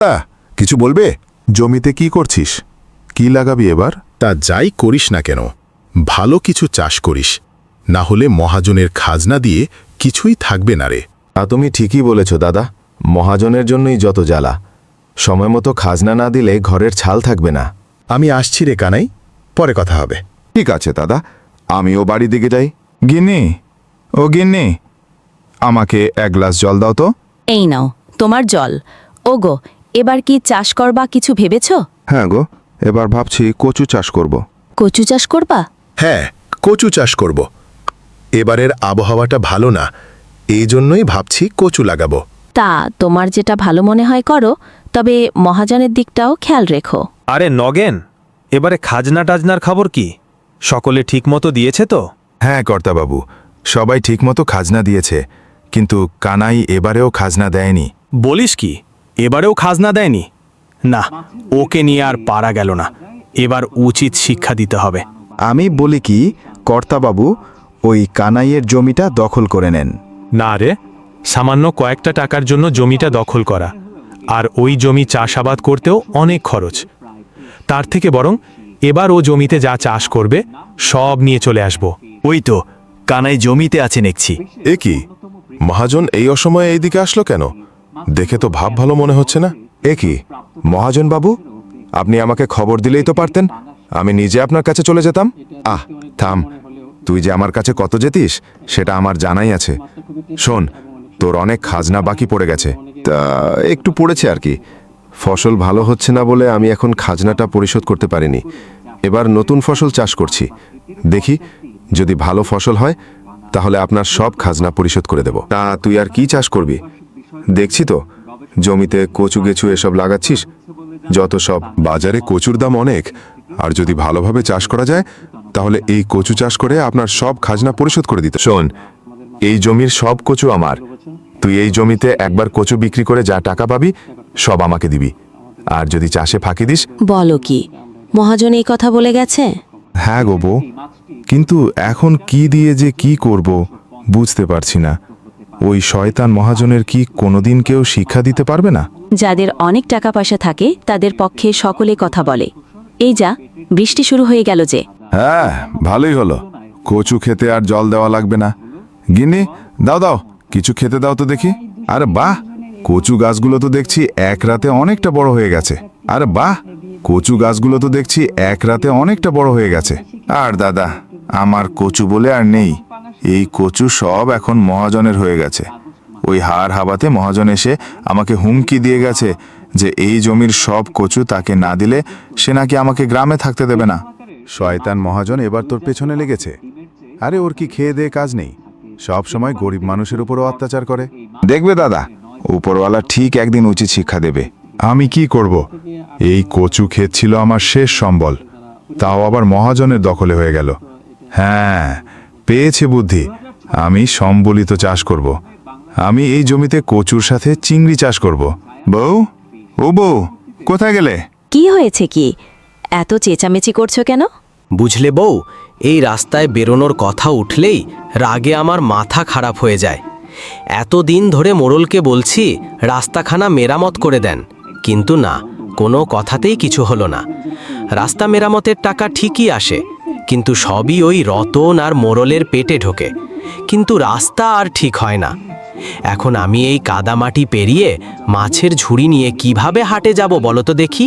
কিছু বলবে? জমিতে কি করছিস? কি লাগাবি এবার? তা যাই করিস না কেন, ভালো কিছু চাষ করিস, না হলে মহাজনের খাজনা দিয়ে কিছুই থাকবে না রে। তা তুমি ঠিকই বলেছ দাদা, মহাজনের জন্যই যত জ্বালা। সময় মতো খাজনা না দিলে ঘরের ছাল থাকবে না। আমি আসছি রে কানাই, পরে কথা হবে। ঠিক আছে দাদা, আমিও বাড়ি দিকে যাই। গিন্নি, ও গিন্নি, আমাকে এক গ্লাস জল দাও তো। এই নাও তোমার জল। ওগো, এবার কি চাষ করবা কিছু ভেবেছ? হ্যাঁ গো, এবার ভাবছি কচু চাষ করব। কচু চাষ করবা? হ্যাঁ, কচু চাষ করব। এবারের আবহাওয়াটা ভালো না, এই জন্যই ভাবছি কচু লাগাবো। তা তোমার যেটা ভালো মনে হয় করো, তবে মহাজনের দিকটাও খেয়াল রেখো। আরে নগেন, এবারে খাজনা টাজনার খবর কি? সকলে ঠিকমতো দিয়েছে তো? হ্যাঁ কর্তাবাবু, সবাই ঠিকমতো খাজনা দিয়েছে, কিন্তু কানাই এবারেও খাজনা দেয়নি। বলিস কি, এবারেও খাজনা দেয়নি? না, ওকে নিয়ে আর পারা গেল না। এবার উচিত শিক্ষা দিতে হবে। আমি বলি কি, কর্তাবাবু ওই কানাইয়ের জমিটা দখল করে নেন। না রে, সামান্য কয়েকটা টাকার জন্য জমিটা দখল করা, আর ওই জমি চাষাবাদ করতেও অনেক খরচ। তার থেকে বরং এবার ও জমিতে যা চাষ করবে সব নিয়ে চলে আসব। ওই তো কানাই জমিতে আছে দেখছি। এ কি, মহাজন এই অসময়ে এইদিকে আসলো কেন? দেখে তো ভাব ভালো মনে হচ্ছে না। এ কি মহাজন বাবু, আপনি আমাকে খবর দিলেই তো পারতেন, আমি নিজে আপনার কাছে চলে যেতাম। থাম, তুই যে আমার কাছে কত যেতিস সেটা আমার জানাই আছে। শোন, তোর অনেক খাজনা বাকি পড়ে গেছে। তা একটু পড়েছে আর কি। ফসল ভালো হচ্ছে না বলে আমি এখন খাজনাটা পরিশোধ করতে পারিনি। এবার নতুন ফসল চাষ করছি, দেখি যদি ভালো ফসল হয় তাহলে আপনার সব খাজনা পরিশোধ করে দেব। তা তুই আর কি চাষ করবি? দেখছি তো জমিতে কচু গেছু এসব লাগাচ্ছিস। যত সব বাজারে কচুর দাম অনেক, আর যদি ভালোভাবে চাষ করা যায় তাহলে এই কচু চাষ করে আপনার সব খাজনা পরিশোধ করে দিতে। শোন, এই জমির সব কচু আমার। তুই এই জমিতে একবার কচু বিক্রি করে যা টাকা পাবি সব আমাকে দিবি, আর যদি চাষে ফাঁকি দিস। বলো কি, মহাজন এই কথা বলে গেছে? হ্যাঁ গো বউ, কিন্তু এখন কি দিয়ে যে কি করব বুঝতে পারছি না। ওই শয়তান মহাজনের কি কোনোদিন কেউ শিক্ষা দিতে পারবে না? যাদের অনেক টাকা পয়সা থাকে তাদের পক্ষে সকলে কথা বলে। এই যা, বৃষ্টি শুরু হয়ে গেল যে। হ্যাঁ, ভালোই হলো, কচু খেতে আর জল দেওয়া লাগবে না। গিন্নি, দাও দাও, কিছু খেতে দাও তো দেখি। আরে বাহ, কচু গাছগুলো তো দেখছি এক রাতে অনেকটা বড় হয়ে গেছে। আরে বাহ, কচু গাছগুলো তো দেখছি এক রাতে অনেকটা বড় হয়ে গেছে। আর দাদা, আমার কচু বলে আর নেই। এই কচু সব এখন মহাজনের হয়ে গেছে। ওই হাড় হাবাতে মহাজন এসে আমাকে হুমকি দিয়ে গেছে যে এই জমির সব কচু তাকে না দিলে সে নাকি আমাকে গ্রামে থাকতে দেবে না। শয়তান মহাজন এবার তোর পেছনে লেগেছে। আরে ওর কি খেয়ে দেয়ে কাজ নেই? সব সময় গরিব মানুষের উপরও অত্যাচার করে। দেখবে দাদা, উপরওয়ালা ঠিক একদিন উচিত শিক্ষা দেবে। আমি কি করব? এই কচু ক্ষেত ছিল আমার শেষ সম্বল, তাও আবার মহাজনের দখলে হয়ে গেল। হ্যাঁ, পেয়েছে বুদ্ধি, আমি সম্বলিত চাষ করব। আমি এই জমিতে কচুর সাথে চিংড়ি চাষ করব। বউ, ও বউ, কোথায় গেলে? কি হয়েছে কি, এত চেঁচামেচি করছো কেন? বুঝলে বউ, এই রাস্তায় বেরোনোর কথা উঠলেই রাগে আমার মাথা খারাপ হয়ে যায়। এতদিন ধরে মোড়লকে বলছি রাস্তাখানা মেরামত করে দেন, কিন্তু না, কোনো কথাতেই কিছু হলো না। রাস্তা মেরামতের টাকা ঠিকই আসে, কিন্তু সবই ওই রতন আর মোড়লের পেটে ঢোকে, কিন্তু রাস্তা আর ঠিক হয় না। এখন আমি এই কাদামাটি পেরিয়ে মাছের ঝুড়ি নিয়ে কিভাবে হাটে যাব বলো তো দেখি?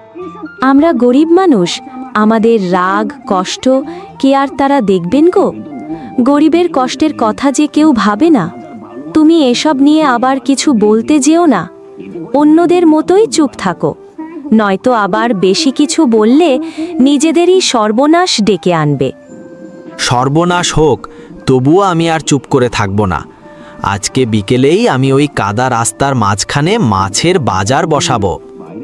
আমরা গরিব মানুষ, আমাদের রাগ কষ্ট কে আর তারা দেখবেন গো? গরিবের কষ্টের কথা যে কেউ ভাবে না। তুমি এসব নিয়ে আবার কিছু বলতে যেও না, অন্যদের মতোই চুপ থাকো, নয়তো আবার বেশি কিছু বললে নিজেদেরই সর্বনাশ ডেকে আনবে। সর্বনাশ হোক, তবুও আমি আর চুপ করে থাকব না। আজকে বিকেলেই আমি ওই কাদা রাস্তার মাঝখানে মাছের বাজার বসাবো।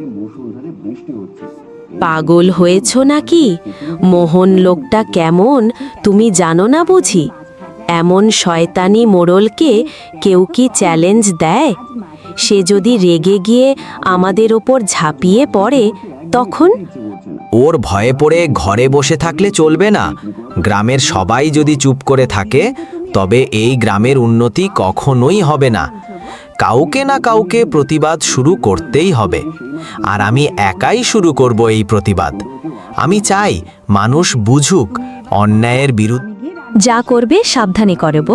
পাগল হয়েছ নাকি? মোহন লোকটা কেমন তুমি জানো না বুঝি? এমন শয়তানি মোড়লকে কেউ কি চ্যালেঞ্জ দেয়? সে যদি রেগে গিয়ে আমাদের ওপর ঝাঁপিয়ে পড়ে তখন? ওর ভয়ে পড়ে ঘরে বসে থাকলে চলবে না। গ্রামের সবাই যদি চুপ করে থাকে তবে এই গ্রামের উন্নতি কখনোই হবে না। কাউকে না কাউকে প্রতিবাদ শুরু করতেই হবে। আর আমি একাই শুরু করব এই প্রতিবাদ। আমি চাই মানুষ বুঝুক অন্যায়ের বিরুদ্ধে। যা করবে সাবধানে করব।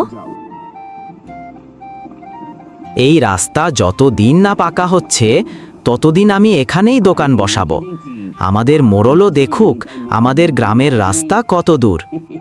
এই রাস্তা যতদিন না পাকা হচ্ছে ততদিন আমি এখানেই দোকান বসাবো। আমাদের মোড়লও দেখুক আমাদের গ্রামের রাস্তা কত দূর।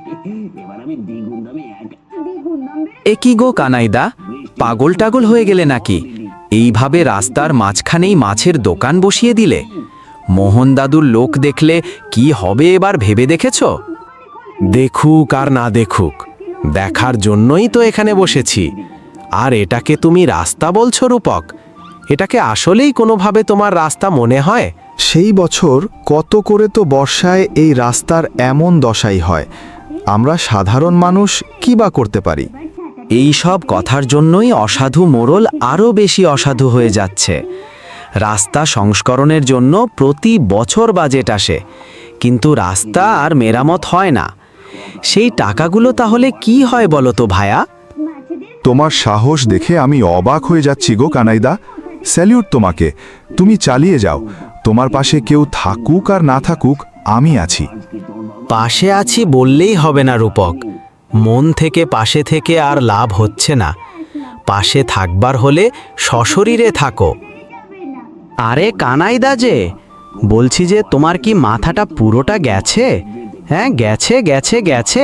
এ কি গো কানাইদা, পাগল টাগল হয়ে গেলে নাকি? এইভাবে রাস্তার মাঝখানেই মাছের দোকান বসিয়ে দিলে? মোহন দাদুর লোক দেখলে কি হবে এবার ভেবে দেখেছ? দেখুক আর না দেখুক, দেখার জন্যই তো এখানে বসেছি। আর এটাকে তুমি রাস্তা বলছো রূপক? এটাকে আসলেই কোনোভাবে তোমার রাস্তা মনে হয়? সেই বছর কত করে তো বর্ষায় এই রাস্তার এমন দশাই হয়। আমরা সাধারণ মানুষ কি বা করতে পারি? এই সব কথার জন্যই অসাধু মোড়ল আরও বেশি অসাধু হয়ে যাচ্ছে। রাস্তা সংস্করণের জন্য প্রতি বছর বাজেট আসে, কিন্তু রাস্তা আর মেরামত হয় না। সেই টাকাগুলো তাহলে কি হয় বলো তো ভায়া? তোমার সাহস দেখে আমি অবাক হয়ে যাচ্ছি গো কানাইদা। স্যালিউট তোমাকে, তুমি চালিয়ে যাও। তোমার পাশে কেউ থাকুক আর না থাকুক, আমি আছি। পাশে আছি বললেই হবে না রূপক। মন থেকে পাশে থেকে আর লাভ হচ্ছে না। পাশে থাকবার হলে সশরীরে থাকো। আরে কানাইদা যে, বলছি যে তোমার কি মাথাটা পুরোটা গেছে? হ্যাঁ, গেছে গেছে গেছে।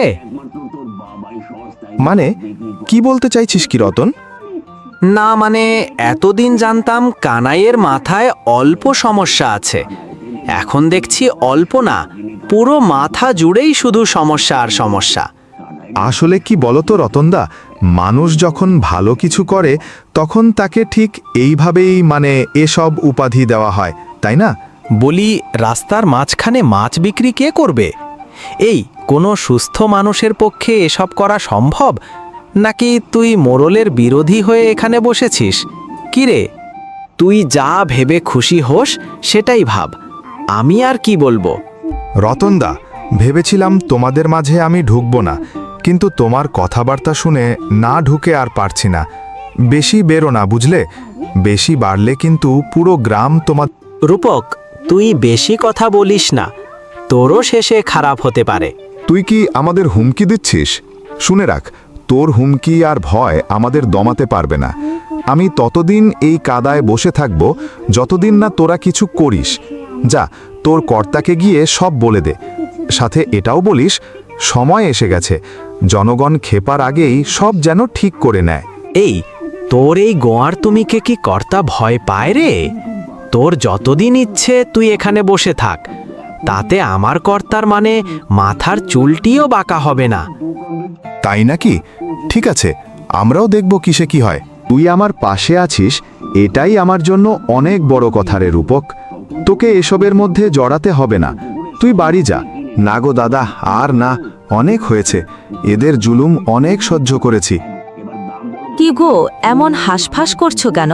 মানে কি বলতে চাইছিস কি রতন? না মানে এতদিন জানতাম কানাইয়ের মাথায় অল্প সমস্যা আছে, এখন দেখছি অল্প না, পুরো মাথা জুড়েই শুধু সমস্যা আর সমস্যা। আসলে কি বলতো রতনদা, মানুষ যখন ভালো কিছু করে তখন তাকে ঠিক এইভাবেই মানে এসব উপাধি দেওয়া হয়, তাই না? বলি, রাস্তার মাঝখানে মাছ বিক্রি কে করবে? এই কোনো সুস্থ মানুষের পক্ষে এসব করা সম্ভব? নাকি তুই মোড়লের বিরোধী হয়ে এখানে বসেছিস? কিরে, তুই যা ভেবে খুশি হোস সেটাই ভাব, আমি আর কি বলবো। রতনদা, ভেবেছিলাম তোমাদের মাঝে আমি ঢুকবো না, কিন্তু তোমার কথাবার্তা শুনে না ঢুকে আর পারছি না। বেশি বেরো না, বুঝলে? বেশি বাড়লে কিন্তু পুরো গ্রাম তোমার। রূপক, তুই বেশি কথা বলিস না, তোরও শেষে খারাপ হতে পারে। তুই কি আমাদের হুমকি দিচ্ছিস? শুনে রাখ, তোর হুমকি আর ভয় আমাদের দমাতে পারবে না। আমি ততদিন এই কাদায় বসে থাকব যতদিন না তোরা কিছু করিস। যা, তোর কর্তাকে গিয়ে সব বলে দে। সাথে এটাও বলিস, সময় এসে গেছে, জনগণ খেপার আগেই সব যেন ঠিক করে নেয়। এই তোর এই গোয়ার তুমিকে কি কর্তা ভয় পায় রে? তোর যতদিন ইচ্ছে তুই এখানে বসে থাক, তাতে আমার কর্তার মানে মাথার চুলটিও বাঁকা হবে না। তাই নাকি? ঠিক আছে, আমরাও দেখব কিসে কি হয়। তুই আমার পাশে আছিস, এটাই আমার জন্য অনেক বড় কথা রে রূপক। তোকে এসবের মধ্যে জড়াতে হবে না, তুই বাড়ি যা। না গো দাদা, আর না, অনেক হয়েছে, এদের জুলুম অনেক সহ্য করেছি। কি গো, এমন হাঁসফাঁস করছো কেন?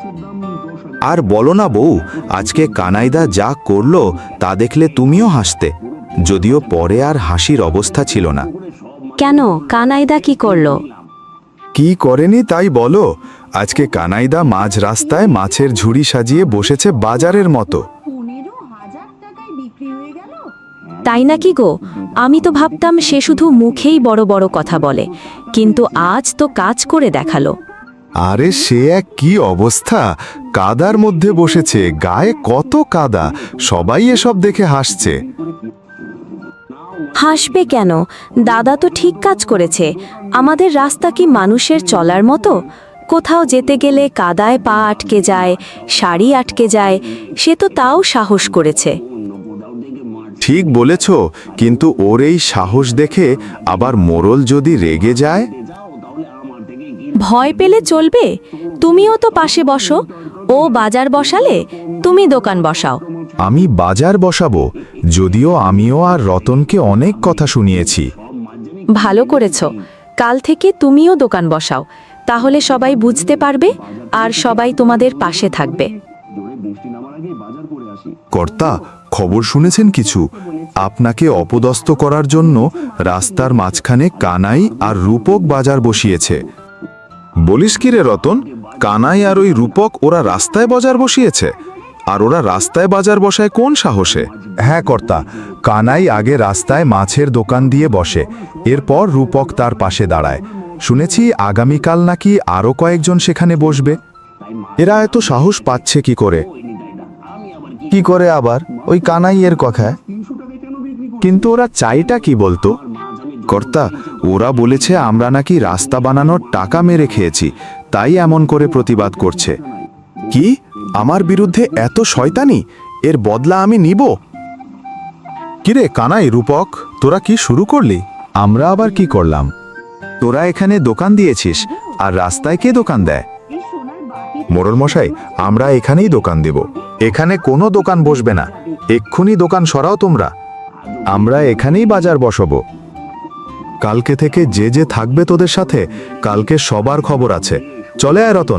আর বলো না বউ, আজকে কানাইদা যা করলো তা দেখলে তুমিও হাসতে, যদিও পরে আর হাসির অবস্থা ছিল না। কেন, কানাইদা কি করলো? কি করেনি তাই বলো? আজকে কানাইদা মাঝ রাস্তায় মাছের ঝুড়ি সাজিয়ে বসেছে বাজারের মতো। তাই নাকি গো? আমি তো ভাবতাম সে শুধু মুখেই বড় বড় কথা বলে, কিন্তু আজ তো কাজ করে দেখালো। আরে সে এক কি অবস্থা, কাদার মধ্যে বসেছে, গায়ে কত কাদা, সবাই এসব দেখে হাসছে। হাসবে কেন? দাদা তো ঠিক কাজ করেছে। আমাদের রাস্তা কি মানুষের চলার মতো? কোথাও যেতে গেলে কাদায় পা আটকে যায়, শাড়ি আটকে যায়, সে তো তাও সাহস করেছে। ঠিক বলেছ, কিন্তু ওর এই সাহস দেখে আবার মোড়ল যদি রেগে যায়? ভয় পেলে চলবে? তুমিও তো পাশে বসো। ও বাজার বসালে, তুমি দোকান বসাও। আমি বাজার বসাবো, যদিও আমিও আর রতনকে অনেক কথা শুনিয়েছি। ভালো করেছো, কাল থেকে তুমিও দোকান বসাও, তাহলে সবাই বুঝতে পারবে আর সবাই তোমাদের পাশে থাকবে। কর্তা, খবর শুনেছেন কিছু? আপনাকে অপদস্থ করার জন্য রাস্তার মাঝখানে কানাই আর রূপক বাজার বসিয়েছে। বলিস কি রে রতন, কানাই আর ওই রূপক ওরা রাস্তায় বাজার বসিয়েছে? আর ওরা রাস্তায় বাজার বসায় কোন সাহসে? হ্যাঁ কর্তা, কানাই আগে রাস্তায় মাছের দোকান দিয়ে বসে, এরপর রূপক তার পাশে দাঁড়ায়। শুনেছি আগামীকাল নাকি আরও কয়েকজন সেখানে বসবে। এরা এত সাহস পাচ্ছে কি করে? কি করে আবার ওই কানাইয়ের কথায়? কিন্তু ওরা চাইটা কি বলতো? কর্তা, ওরা বলেছে আমরা নাকি রাস্তা বানানোর টাকা মেরে খেয়েছি, তাই এমন করে প্রতিবাদ করছে। কি? আমার বিরুদ্ধে এত শয়তানি? এর বদলা আমি নিব। কিরে কানাই, রূপক, তোরা কি শুরু করলি? আমরা আবার কি করলাম? তোরা এখানে দোকান দিয়েছিস, আর রাস্তায় কে দোকান দেয়? মোড়ল মশাই, আমরা এখানেই দোকান দেব। এখানে কোনো দোকান বসবে না, এক্ষুনি দোকান সরাও তোমরা। আমরা এখানেই বাজার বসাবো। কালকে থেকে যে যে থাকবে তোদের সাথে, কালকে সবার খবর আছে। চলে আয় রতন।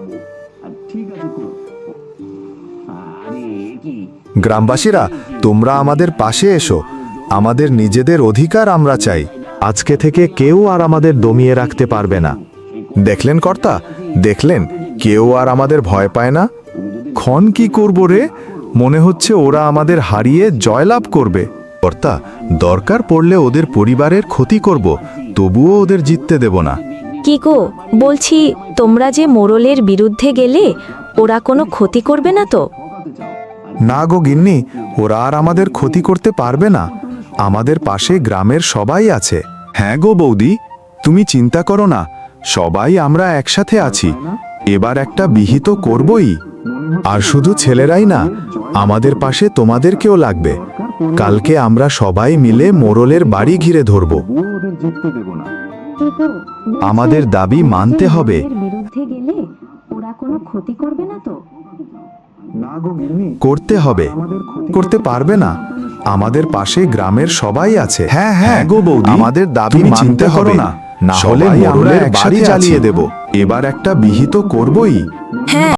গ্রামবাসীরা, তোমরা আমাদের পাশে এসো। আমাদের নিজেদের অধিকার আমরা চাই। আজকে থেকে কেউ আর আমাদের দমিয়ে রাখতে পারবে না। দেখলেন কর্তা, দেখলেন, কেউ আর আমাদের ভয় পায় না। ক্ষণ কি করব রে? মনে হচ্ছে ওরা আমাদের হারিয়ে জয়লাভ করবে। কর্তা, দরকার পড়লে ওদের পরিবারের ক্ষতি করব, তবুও ওদের জিততে দেব না। কি গো, বলছি তোমরা যে মোড়লের বিরুদ্ধে গেলে ওরা কোনো ক্ষতি করবে না তো? না গো গিন্নি, ওরা আর আমাদের ক্ষতি করতে পারবে না। আমাদের পাশে গ্রামের সবাই আছে। হ্যাঁ গো বৌদি, তুমি চিন্তা করো না, সবাই আমরা একসাথে আছি। এবার একটা বিহিত করবই। আর শুধু ছেলেরাই না, আমাদের পাশে তোমাদেরকেও লাগবে। কালকে আমরা সবাই মিলে মোড়লের বাড়ি ঘিরে ধরব। আমাদের দাবি মানতে হবে। বিরুদ্ধে গেলে ওরা কোনো ক্ষতি করবে না তো? করতে হবে। করতে পারবে না? আমাদের পাশে গ্রামের সবাই আছে। হ্যাঁ হ্যাঁ গো বৌদি, আমাদের দাবি মানতে হবে না, না হলে মোড়লের বাড়ি জ্বালিয়ে দেব। এবার একটা বিহিত করবই। হ্যাঁ,